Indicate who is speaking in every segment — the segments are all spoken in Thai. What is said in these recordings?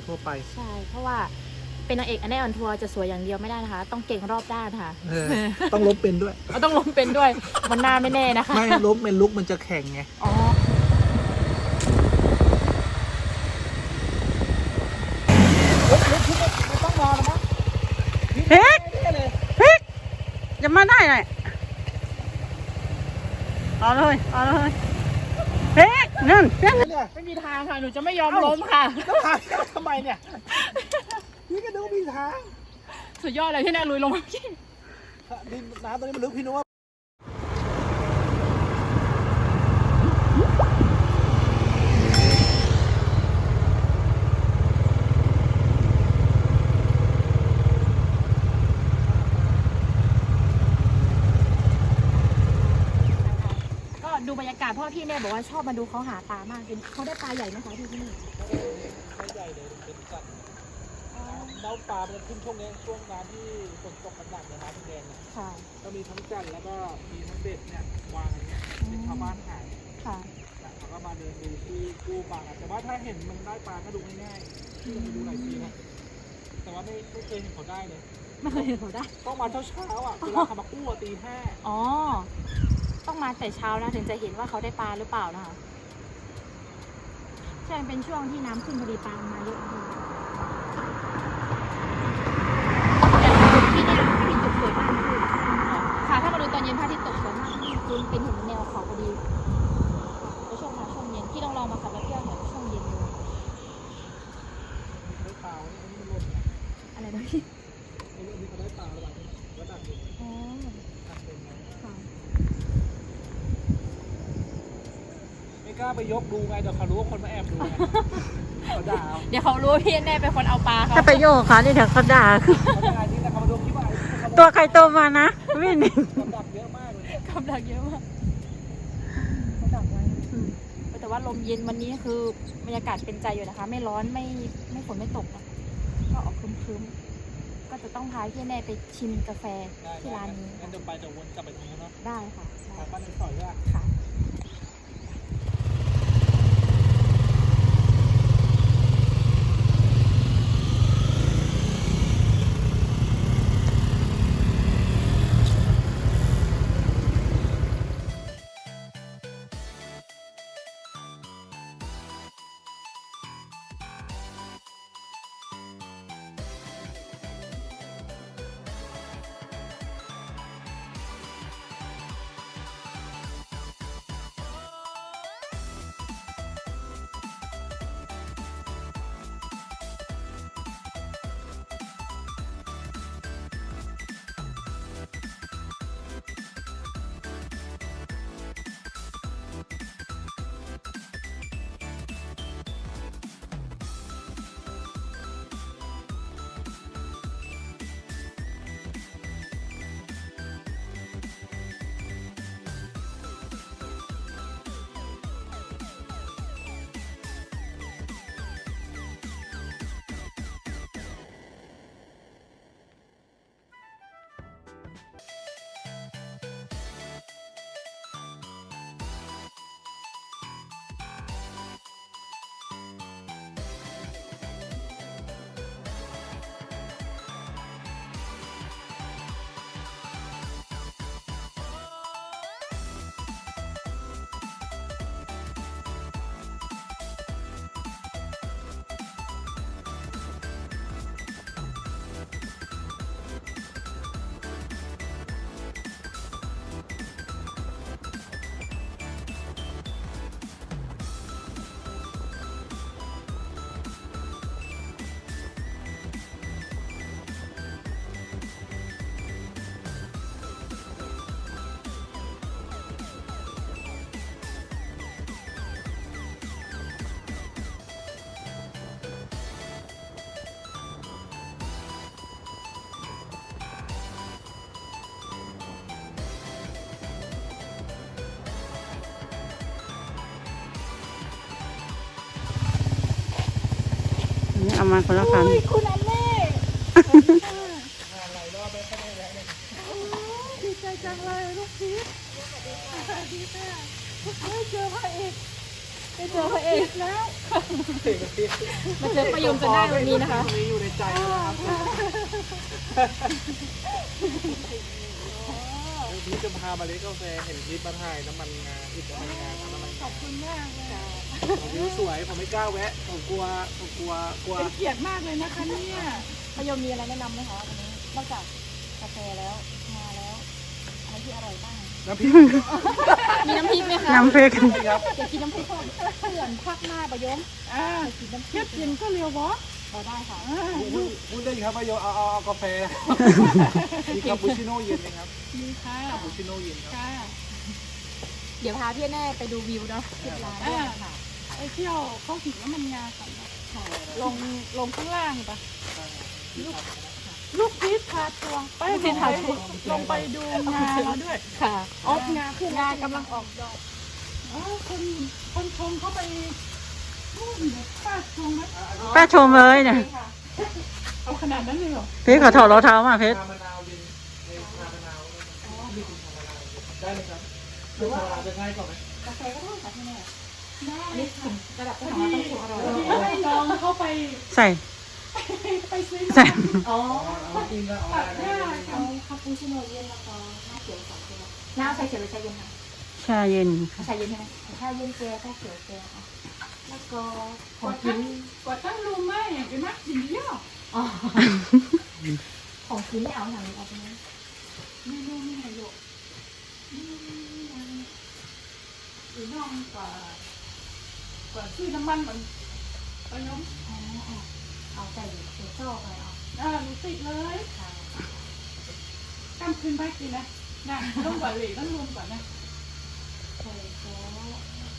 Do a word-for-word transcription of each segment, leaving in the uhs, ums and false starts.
Speaker 1: ทั่วไป
Speaker 2: ใช่เพราะว่าเป็นนางเอกอันแน่ออนทัวร์จะสวยอย่างเดียวไม่ได้นะคะต้องเก่งรอบด้านค่ะ
Speaker 1: ต้องล้มเป็นด้วย
Speaker 2: เอาต้องล้มเป็นด้วยมันหน้าไม่แน่นะคะ
Speaker 1: ไม่ล้มเป็นลุกมันจะแข็งไง
Speaker 2: อ๋อต้องรอแล้วมั้ง
Speaker 3: เฮ้ยเฮ้ยจะมาได้หน่อยเอาเลยเอาเลยเฮ้ยนั่น
Speaker 2: ไม่มีทางค่ะหนูจะไม่ยอมล้มค่ะ
Speaker 1: แล้วทางทำไมเนี่ยพี่ก็ดูมีทาง
Speaker 2: สุดยอดเลยที่แน่ลุยลงมาพี่
Speaker 1: ดินน้ำตอนนี้มันลึกพี่นุ้ว่า
Speaker 2: ดูบรรยากาศพ่อพี่แม่บอกว่าชอบมาดูเขาหาปลามากเป็นเขาได้ปลาใหญ่ไหมคะที่ที่นี่
Speaker 1: ไม่ใหญ่เลยเป็นสัตว์เล้าปลามันขึ้นช่วงนี้ช่วงน้ำที่ฝนตกหนักๆในน้ำแดงค่ะก็มีทั้งจันแล้วก็มีทั้งเบ็ดเนี่ยวางอย่างเงี้ยเป็นชาวบ้านขายค่ะเขาก็มาเดินดูที่กู้ปลาแต่ว่าถ้าเห็นมันได้ปลาก็ดูง่ายๆที่เราไปดูหลายปีนะแต่ว่าไม่ไม่เคยเห็นเขาได้เลย
Speaker 2: ไม่เคยเห็นเขาได้
Speaker 1: ต้องมาเช้าเช้าอ่ะเวลาเขามากู้ตีห้า
Speaker 2: อ๋อต้องมาแต่เช้านะถึงจะเห็นว่าเขาได้ปลาหรือเปล่านะคะใช่เป็นช่วงที่น้ำขึ้นพอดีปลามาเยอะดีที่นี่พระอาทิตย์ตกสวยมากค่ะถ้ามาดูตอนเย็นพระอาทิตย์ตกสวยมากคุณเป็นเห็นแนวเขาพอดีในช่วงมาช่วงเย็นที่ต้องลองมาขับรถเที่ยวแถวช่วงเย็นดู
Speaker 1: ได้ปลาอันนี้มันหล่น
Speaker 2: อะไรนะพี่
Speaker 1: อันนี้เขาได้ปลาอะไรแล้วตัดดิอ๋อตัดเป็นไงค่ะไม่กล้าไปยกดูไงเดี๋ยวเขารู้ว่าคนมาแอบดูไงเขาด่า
Speaker 2: เดี๋ยวเขารู้พี่แน่เป็นคนเอาปลาเขา
Speaker 3: ถ้าไปโยกเขาเดี๋ยวเขาด่าคือตัวใครตัวมานะวิ่ง
Speaker 1: กำดักเยอะมากเลย
Speaker 2: กำดักเยอะมากกำดักไว้แต่ว่าลมเย็นวันนี้คือบรรยากาศเป็นใจอยู่นะคะไม่ร้อนไม่ไม่ฝนไม่ตกนะก็ออกครึ้มๆก็จะต้องพาพี่แน่ไปชิมกาแฟที่ร้านนี้
Speaker 1: งั้นเดี๋ยวไปจะวนกลับไปตรงนู้นเนาะ
Speaker 2: ได้ค่ะ
Speaker 1: ไปบ้านในซอยด้วย
Speaker 2: ค่ะ
Speaker 3: เอามาคนละคัน
Speaker 2: คุณอันเล่ดีใจจังเลยลูกพีชสวัสดีค่ะได้เจอพระเอกได้เจอพระเอกแล้วข
Speaker 1: เพลงนี้
Speaker 2: มาเจอประโยมจะได้วันนี้นะคะ
Speaker 1: เพลงนี้อยู่ในใจนะครับพี่จะพามาเลี้ยงกาแฟเห็นคลิปมาถ่ายน้ำมันงาอิดน้ำมันงาทำน้ำมัน
Speaker 4: ขอบคุณมากเลย
Speaker 1: ผมวิวสวยผมไม่กล้าแวะผมกลัวผมกลัวกลัว
Speaker 4: เป็นเกียรติมากเลยนะคะเนี่ย
Speaker 2: ประโยมมีอะไรแนะนำไหมคะวันนี้นอกจากกาแฟแล้วงาแล้วอะไรที่อร่อยบ้าง
Speaker 1: น้ำพริก
Speaker 2: มีน้ำพริกไหมคะ
Speaker 3: น้ำพริก
Speaker 1: ครับ
Speaker 2: อยากกินน้ำพริกก่อนเขื่อนภาคหน้าประโยม
Speaker 4: อ่า
Speaker 2: อยากกินน้ำพริ
Speaker 4: เทีย
Speaker 2: ก
Speaker 4: บกินก็เรียวบอส
Speaker 2: พอได้ค่ะ
Speaker 4: อ่า
Speaker 1: พูดพูดได้ครับประโยชน์เอาเอาเอากาแฟมีคาปูชิโน่เย็นไหมครับ
Speaker 4: มีค่ะ
Speaker 1: คาปูชิโน่เย็นครับ
Speaker 4: ค่ะ
Speaker 2: เดี๋ยวพาพี่แน่ไปดูวิวเนาะที่ร้านด้วยค่ะ
Speaker 4: ไปเที่ยวเข้าถึงน้ำมันงาก่อนนะลงลงข้างล่างปะลูกพีชพาทัวร์ไป
Speaker 2: ลูกพีชพาทัวร์
Speaker 4: ลงไปดูงาแล้วด้วย
Speaker 2: ค่ะ
Speaker 4: ออกงาขึ้น
Speaker 2: งากำลังออกดอก
Speaker 4: อ๋อคนคนชมเขาไปนู่นเนี่ยป้าชมไหม
Speaker 3: ป้าชมเลยเนี่ย
Speaker 4: เอาขนาดนั้นเลยเหรอ
Speaker 3: เพชรขอถอดรองเท้ามาเพชร
Speaker 1: ชามะนาวเย็นในชามะนาวมีคุณชามะนาวได้ไหมครับหรือว่าจะง่ายกว่าไหม
Speaker 2: กาแฟก็ได้ค่ะพี่แน่
Speaker 4: ได้
Speaker 2: อันนี้ถึงระดับ
Speaker 4: พ
Speaker 2: ที่
Speaker 4: อ
Speaker 2: สอง
Speaker 4: ดี
Speaker 2: ต้องถูกอร่อย
Speaker 4: พอดีให้น้องเขาไป
Speaker 3: ใส่
Speaker 4: ไปซื้อ
Speaker 3: ใส่
Speaker 2: อ๋อ
Speaker 1: เอาจริงแล้วเอา
Speaker 4: ตัด
Speaker 1: ได้
Speaker 4: หน้า
Speaker 2: เอาคาปูชิโน่เย็นแล้วก็น้ำเขียวสองตัวน้ำชาเขียวหรือชาเย็นคะ
Speaker 3: ชาเย็น
Speaker 2: ชาเย็นใช่ไหมชาเย็นแก้วชาเขียวแก้วค่ะแล้วก็ของกิน
Speaker 4: กว่าตั้งรูไม่อย่างเป็นมากกินเยอะ
Speaker 2: อ๋อของกินไม่เอาหนังเอาไปไหม
Speaker 4: ไม่รู้ไม่ไหนหรอกหรือน้องกว่ากว่าซื้อน้ำมันมันไปน้อง
Speaker 2: อ๋อเอาใจเขียวชอบอะไรเอา
Speaker 4: อ่าหนูติดเลย
Speaker 2: ค่ะ
Speaker 4: กำคืนไปกินนะนะต้องกว่าเหล็กต้องรวมก่อนนะ
Speaker 2: ใส่ซอส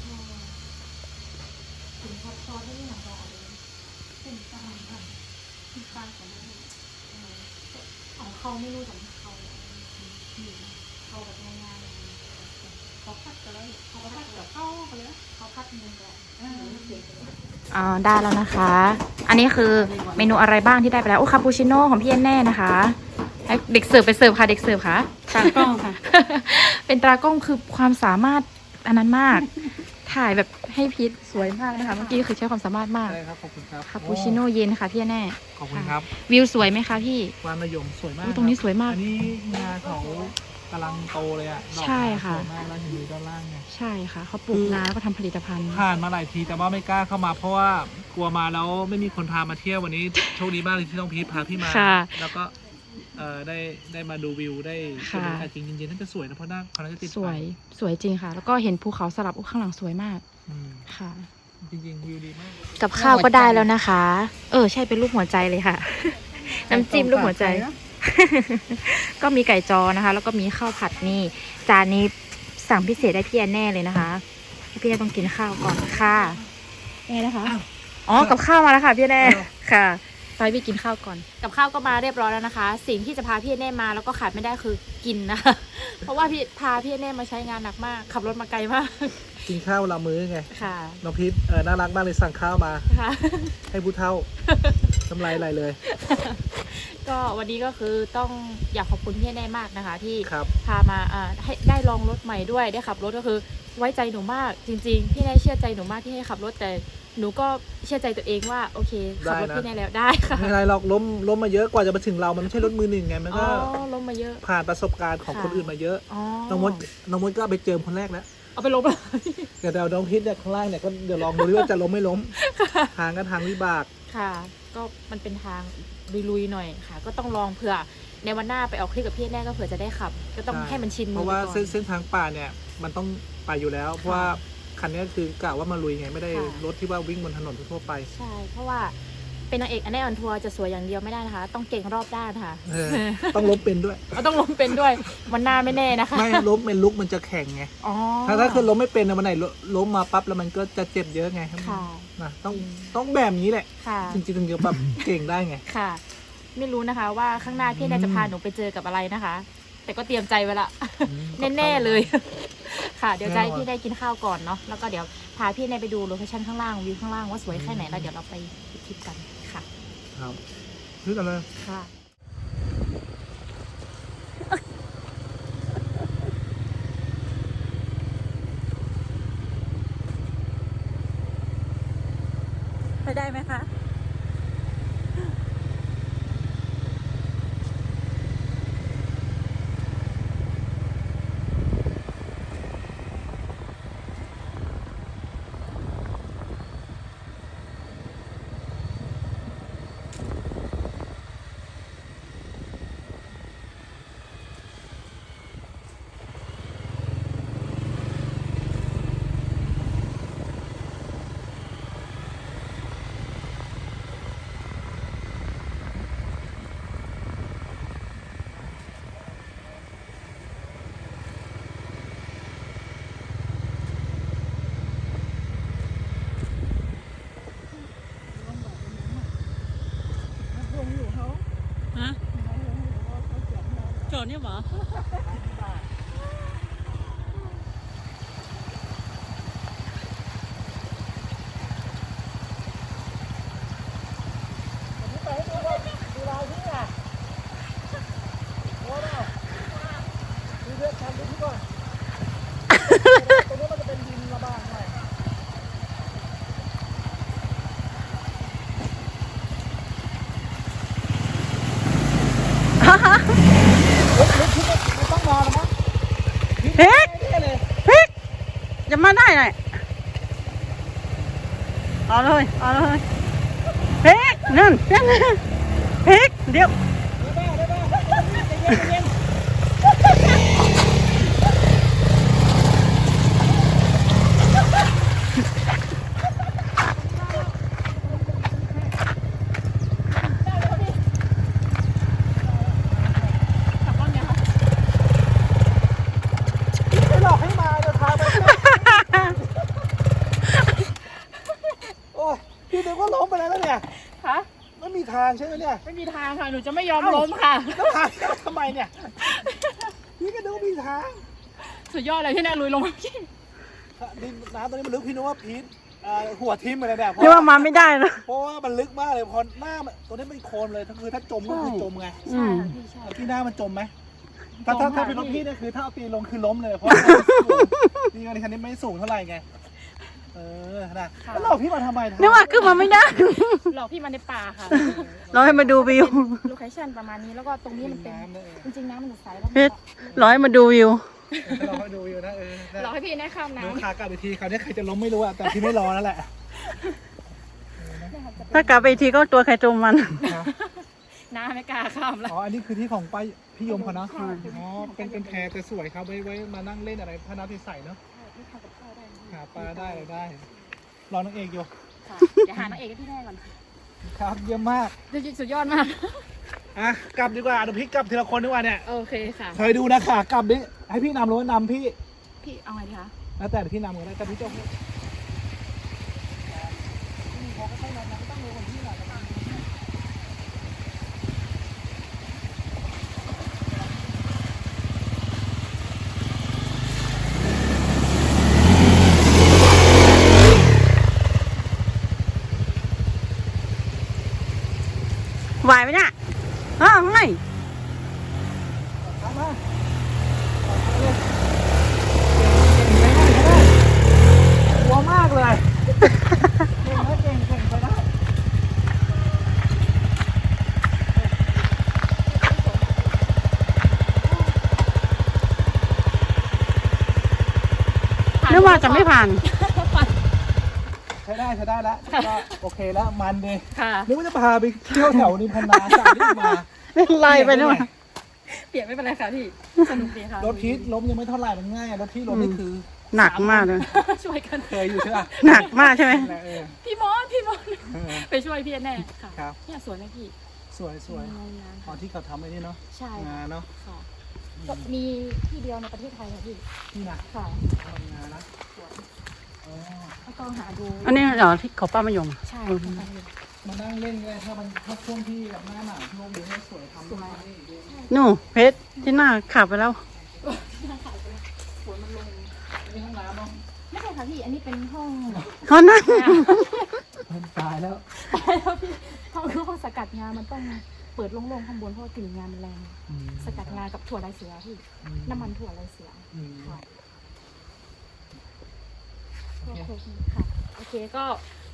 Speaker 2: ถึงทอดซอสได้ยังไงก็เอาเลย
Speaker 4: เป็นตามกันที่ป้าของเรา
Speaker 2: ของเขาไม่รู้ของเขาเขาแบบง่ายๆ
Speaker 4: เขาพัดกันแล้วเขาพัดกับเข้าไปแล้ว
Speaker 2: เขาพัดเงินแบบ
Speaker 4: อ่า
Speaker 3: อ่าได้แล้วนะคะ อันนี้คือเมนูอะไรบ้างที่ได้ไปแล้ว โอ้คาปูชิโน่ของพี่แอนแน่นะคะให้เด็กเสิร์ฟไปเสิร์ฟค่ะ เด็กเสิร์ฟค่ะ
Speaker 4: ตากล้องค่ะ
Speaker 3: เป็นตากล้องคือความสามารถอันนั้นมาก ถ่ายแบบให้พีทสวยมากนะคะ เมื่อกี้คือใช้ความสามารถมาก
Speaker 1: ได้ครับขอบคุณครับ
Speaker 3: คาปูชิโน่เย็นค่ะพี่แอนแน่
Speaker 1: ขอบคุณครับ
Speaker 3: วิวสวยไหมคะพี่
Speaker 1: วานมะยมสวยมาก
Speaker 3: อุ๊ยตรงนี้สวยมาก
Speaker 1: อันนี้งาเขากำลังโตเลยอ่ะดอก
Speaker 3: ใช่ค่ะ
Speaker 1: สวยมากแล้วเห็นดูด้านล่างไง
Speaker 3: ใช่ค่ะเขาปลูกนาแล้วก็ทำผลิตภัณฑ์
Speaker 1: ผ่านมาหลายทีแต่ว่าไม่กล้าเข้ามาเพราะว่ากลัวมาแล้วไม่มีคนพามาเที่ยววันนี้ โชคดีมากเลยที่ต้องพีทพาพี่มา
Speaker 3: ค่ะ
Speaker 1: แล้วก็เอ่อได้ได้มาดูวิวได้
Speaker 3: ค่ะ
Speaker 1: ดูอากาศจริงเย็นๆน่าจะสวยนะเพราะหน้าเขาน่าจะติดไฟ
Speaker 3: สวยสวยจริงค่ะ แล้วก็เห็นภูเขาสลับอุ๊ยข้างหลังสวยมาก
Speaker 1: อืม
Speaker 3: ค่ะ
Speaker 1: จริงๆวิวดีมาก
Speaker 3: กับข้าวก็ได้แล้วนะคะ เออใช่เป็นรูปหัวใจเลยค่ะ น้ำจิ้มรูปหัวใจ ก็มีไก่จอนะคะ แล้วก็มีข้าวผัดนี่ จานนี้สั่งพิเศษได้พี่แอนแน่เลยนะคะพี่แอนต้องกินข้าวก่อนค่ะแน่นะคะ อ๋อ กับข้าวมาแล้วค่ะพี่แน่ค่ะไปพี่กินข้าวก่อน กับข้าวก็มาเรียบร้อยแล้วนะคะ สิ่งที่จะพาพี่แน่มาแล้วก็ขาดไม่ได้คือกินนะคะ เพราะว่าพี่พาพี่แน่มาใช้งานหนักมาก ขับรถมาไกลมาก
Speaker 1: กินข้าวเวลามื้อไง
Speaker 3: ค่ะ
Speaker 1: น้องพีทเออน่ารักมากเลยสั่งข้าวมา
Speaker 2: ค่ะ
Speaker 1: ให้ผู้เท่าน้ำลายไหลเลย
Speaker 2: ก็วันนี้ก็คือต้องอยากขอบคุณพี่แน่มากนะคะ ที่
Speaker 1: ครับ
Speaker 2: พามาอ่าให้ได้ลองรถใหม่ด้วยได้ขับรถก็คือไว้ใจหนูมากจริงๆพี่แน่เชื่อใจหนูมากที่ให้ขับรถแต่หนูก็เชื่อใจตัวเองว่าโอเคขับรถ
Speaker 1: ได้นะ
Speaker 2: พี่แน่แล้วได้ค่ะ
Speaker 1: ไม่เป็นไรหรอกล้มล้มมาเยอะกว่าจะมาถึงเรามันไม่ใช่รถมือหนึ่งไงมัน
Speaker 2: อ๋
Speaker 1: ก็
Speaker 2: อลงมาเยอะ
Speaker 1: ผ่านประสบการณ์ของ
Speaker 2: ค่ะ
Speaker 1: คนอื่นมาเยอะ
Speaker 2: อ๋อ
Speaker 1: น้องมดน้องมดก็ไปเจอคนแรกแล้ว
Speaker 2: เอาไปลบเลย
Speaker 1: เดี๋ยวเดี๋ยวน้องพีทเนี่ยข้างล่างเนี่ยก็เดี๋ยวลองดูดิว่าจะล้มไม่ล้ม ทางก็ทางวิบาก
Speaker 2: ค่ะ ก็มันเป็นทางลุยๆหน่อยค่ะ ก็ต้องลองเผื่อในวันหน้าไปออกคลิปกับพี่แน่ก็เผื่อจะได้ขับ ก็ต้อง
Speaker 1: ใช่
Speaker 2: ให้มันชินมือ
Speaker 1: เพราะว่า
Speaker 2: ไปก่อน
Speaker 1: เส้นเส้นทางป่าเนี่ยมันต้องไปอยู่แล้ว เพราะว่าคันนี้คือกะว่ามาลุยไงไม่ได้
Speaker 2: ค่ะ
Speaker 1: รถที่ว่าวิ่งบนถนนทั่วไป
Speaker 2: ใช่ เพราะว่าเป็นนางเอกอันแน่ออนทัวร์จะสวยอย่างเดียวไม่ได้นะคะ ต้องเก่งรอบด้านค่ะ
Speaker 1: เออต้องล้มเป็นด้วย
Speaker 2: เราต้องล้มเป็นด้วยวันหน้าไม่แน่นะคะ
Speaker 1: ไม่ล้มเป็นลุกมันจะแข็งไง
Speaker 2: อ๋อ
Speaker 1: ถ้าถ้าคือล้มไม่เป็นนะวันไหนล้มมาปั๊บแล้วมันก็จะเจ็บเยอะไง
Speaker 2: ค่ะ
Speaker 1: นะต้องต้องแบบนี้แหละ
Speaker 2: ค่ะ
Speaker 1: จริงๆถึงจะแบบเก่งได้ไง
Speaker 2: ค่ะ ไม่รู้นะคะว่าข้างหน้าพี่แน่จะพาหนูไปเจอกับอะไรนะคะ แต่ก็เตรียมใจไว้ละ แน่ๆเลย ค่ะ เดี๋ยวจะให้พี่ได้กินข้าวก่อนเนาะแล้วก็เดี๋ยวพาพี่แน่ไปดูโลเคชั่นข้างล่างวิวข้างล่างว่าสวยแค่ไหนแล้วเดี๋ยวเราไปทริปกันค่ะ
Speaker 1: ครับพึ่งกันเลย
Speaker 2: ค่ะ
Speaker 4: ช้ได้ไหมคะ ฮะโจทย์เนี่ยหรอเพ็กเพ็กจะมาได้ไงเอาเลยเอาเลยเพ็กนั่นเพ็กเดี๋ยว
Speaker 1: พี่นึกว่าล้มไปแล้วเนี่ย
Speaker 2: คะ
Speaker 1: ไม่มีทางใช่ไหมเนี่ย
Speaker 2: ไม่มีทางค่ะ หนูจะไม่ยอมล้มค่ะ
Speaker 1: แล้วทางทำไมเนี่ยพี่ก็นึกว่ามีทาง
Speaker 2: สุดยอดเลยที่แน่ลุยลงมาพี่
Speaker 1: ดินน้ำตอนนี้มันลึกพี่นึกว่าพีทเอ่อหัวทิ่มไปเลยเนี่ย
Speaker 4: เรียกว่ามาไม่ได้นะ
Speaker 1: เพราะว่ามันลึกมากเลยพอหน้ามันตัวนี้เป็นโคลนเลยคือถ้าจมก็คือจมไง
Speaker 2: ใช่ค่ะพี่ใช่
Speaker 1: ที่หน้ามันจมไหมถ้า
Speaker 2: จ
Speaker 1: ถ้าม ถ้า
Speaker 2: ค่ะ
Speaker 1: เป็นรถ
Speaker 2: พี่
Speaker 1: พี่เนี่ยคือถ้าเอาตีนลงคือล้มเลยเพราะนี่คันนี้ไม่สูงเท่าไหร่ไงเออนะแล้วหลอกพี่มาทำไม
Speaker 4: นึกว่าขึ้นมาไม่ได้
Speaker 2: หลอกพี่มาในป่าค่ะ
Speaker 4: เราให้มาดูวิว
Speaker 2: โลเคชั่นประมาณนี้แล้วก็ตรงนี้มันเป็น
Speaker 1: น้ำเลย
Speaker 2: จริงๆน้ำมันใสแล้ว
Speaker 4: เพชรเราให้มาดูวิว
Speaker 1: เราให้ดูอยู่นะเออ
Speaker 2: หลอกให้พี่แน่ข้าม
Speaker 1: ดู
Speaker 2: น้ำ
Speaker 1: ขากลับอีกทีคราวนี้ใครจะล้มไม่รู้อะแต่พี่ไม่รอแล้วแหละ
Speaker 4: ถ้ากลับไปอีกทีก็ตัวใครตัวมัน
Speaker 2: น้ำไม่กล้าข้ามแล้ว
Speaker 1: อ๋ออันนี้คือที่ของป้าพี่ยมเขาเนาะอ๋อเป็นเป็นแพแต่สวยครับไว้ไว้มานั่งเล่นอะไรพระน้ำใสๆเนาะหาปลาได้อะไรได้รอนางเอกอยู่
Speaker 2: ค่ะเดี๋ยวหานางเอกให้พี่แน่ก่อน
Speaker 1: ครับเยี่ยมมาก
Speaker 2: จริงๆสุดยอดมาก
Speaker 1: อ่ะกลับดีกว่าเดี๋ยวพี่กลับทีละคนดีกว่าเนี่ย
Speaker 2: โอเคค่ะ
Speaker 1: เคยดูนะค่ะกลับดิให้พี่นำหรือว่านำพี่
Speaker 2: พี่เอาไงดีคะ
Speaker 1: แล้วแต่เดี๋ยวพี่นำก็ได้แต่พี่เจ้า
Speaker 4: ไหวไหมเนี่ยอ้าวไง
Speaker 1: ทำมาหัวมากเลยเก่งนะเก่งเก่งไปได้
Speaker 4: นึกว่าจะไม่ผ่าน
Speaker 1: ใช้ได้ใช้ได้แล้วก็โอเคแล้วมันดี
Speaker 2: ค่ะ
Speaker 1: นึกว่าจะพาไปเที่ยวแถวนิมพันนาสายที่มา
Speaker 4: ไล่ไปนู่น
Speaker 2: เปลี่ยนไม่เป็นไรค่ะพี่ สนุกดีค่ะ
Speaker 1: รถพีทล้มยังไม่เท่าไหร่มันง่ายรถพี่ล้มนี่คือ
Speaker 4: หนักมากเลย
Speaker 2: ช่วยกัน
Speaker 1: เคยอยู่ใช่ป่ะ
Speaker 4: หนักมากใช่ไหม
Speaker 1: นั่นแหละเออ
Speaker 2: พี่มอนพี่มอน
Speaker 1: เออ
Speaker 2: ไปช่วยพี่แน่ค่ะ
Speaker 1: ครับ
Speaker 2: เนี่ยสวยไหมพี่
Speaker 1: สวยสวย
Speaker 2: งานงาน
Speaker 1: ตอนที่เขาทำไอ้นี่เนาะ
Speaker 2: ใช่
Speaker 1: งานเนาะ
Speaker 2: ค่ะก็มีที่เดียวในประเทศไทยค่ะพี่
Speaker 1: นี่นะ
Speaker 2: ค่ะ
Speaker 1: ทำงานนะอ๋อ
Speaker 2: แล้วก็หาดู
Speaker 4: อันนี้เหรอที่เขาป้ามายม
Speaker 2: ใช่ค่ะ
Speaker 1: มานั่งเล่นก็ได้ถ้ามันถ้าช่วงที่แบบหน้าหนาวช่วงนี้สวยทำได้นี่เยอะ
Speaker 4: นู่นเพชรที่หน้าขับไปแล้ว
Speaker 2: ฝนมันลง
Speaker 1: นี่ห้องน้ำเนาะ
Speaker 2: ไม่ใช่ค่ะพี่ อันนี้เป็นห้อง
Speaker 4: เขานั่ง
Speaker 1: ตายแล้ว
Speaker 2: แล้วพี่ห้องคือห้องสกัดงานมันต้องเปิดโล่งๆข้างบนเพราะว่ากลิ่นงานมันแรง
Speaker 1: อืม
Speaker 2: สกัดงานกับถั่วลายเสือพี่
Speaker 1: อืม
Speaker 2: น้ำมันถั่วลายเสือ
Speaker 1: อืม
Speaker 2: ค่ะ
Speaker 1: โอเค
Speaker 2: โอเคค่ะ โอเคก็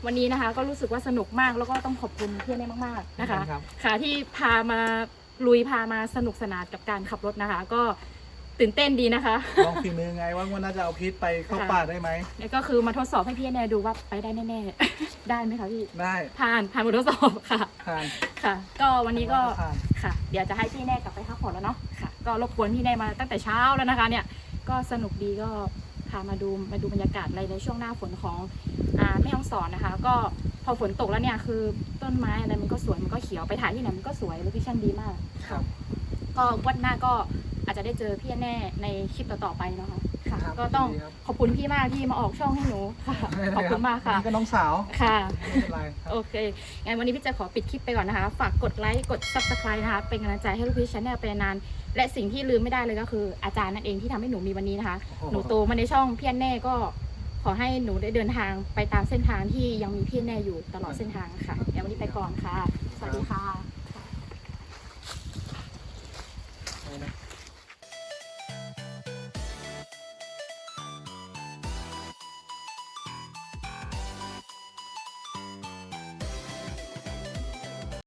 Speaker 2: วันนี้นะคะก็รู้สึกว่าสนุกมากแล้วก็ต้องขอบคุณพี่แน่มากๆนะคะ
Speaker 1: ครับ
Speaker 2: ค่ะที่พามาลุยพามาสนุกสนานกับการขับรถนะคะ ก็ตื่นเต้นดีนะคะ
Speaker 1: ลองฝีมือไงว่าวันน่าจะเอาพีทไปเข้าป่าได้ไหม
Speaker 2: แล้วก็คือมาทดสอบให้พี่แน่ดูว่าไปได้แน่ๆ ได้ไหมคะพี่
Speaker 1: ได้
Speaker 2: ผ่านผ่านบททดสอบค่ะ
Speaker 1: ผ่าน
Speaker 2: ค่ะ ก็วันนี้ก็
Speaker 1: ผ่าน
Speaker 2: ค่ะ เดี๋ยวจะให้พี่แน่กลับไปพักผ่อนแล้วเนาะค่ะ ก็รบกวนพี่แน่มาตั้งแต่เช้าแล้วนะคะ เนี่ยก็สนุกดีก็พามาดูมาดูบรรยากาศอะไรในช่วงหน้าฝนของอ่าแม่ฮ่องสอนนะคะ ก็พอฝนตกแล้วเนี่ยคือต้นไม้อะไรมันก็สวยมันก็เขียวไปถ่ายที่ไหนมันก็สวยโลเคชั่นดีมาก
Speaker 1: ครับ
Speaker 2: ก็วันหน้าก็อาจจะได้เจอพี่แน่ในคลิปต่อๆไปเนาะค่ะ
Speaker 1: ครับ
Speaker 2: ก็ต้อง
Speaker 1: ยินดีครับ
Speaker 2: ขอบคุณพี่มากที่มาออกช่องให้หนูค่ะขอบคุณมากค่ะ
Speaker 1: นี่ก็น้องสาว
Speaker 2: ค่ะ
Speaker 1: ไม่เป็นไรครับ
Speaker 2: โอเค งั้นวันนี้พี่จะขอปิดคลิปไปก่อนนะคะ ฝากกดไลค์ กด ซับสไครบ์ นะคะ เป็นกำลังใจให้ลูกพี่ชาแนลไปนาน และสิ่งที่ลืมไม่ได้เลยก็คืออาจารย์นั่นเองที่ทำให้หนูมีวันนี้นะคะ หนูโตมาในช่องพี่แน่ก็ขอให้หนูได้เดินทางไปตามเส้นทางที่ยังมีพี่แน่อยู่ตลอดเส้นทางค่ะงั้นวันนี้ไปก่อนค่ะ สวัสดีค่ะ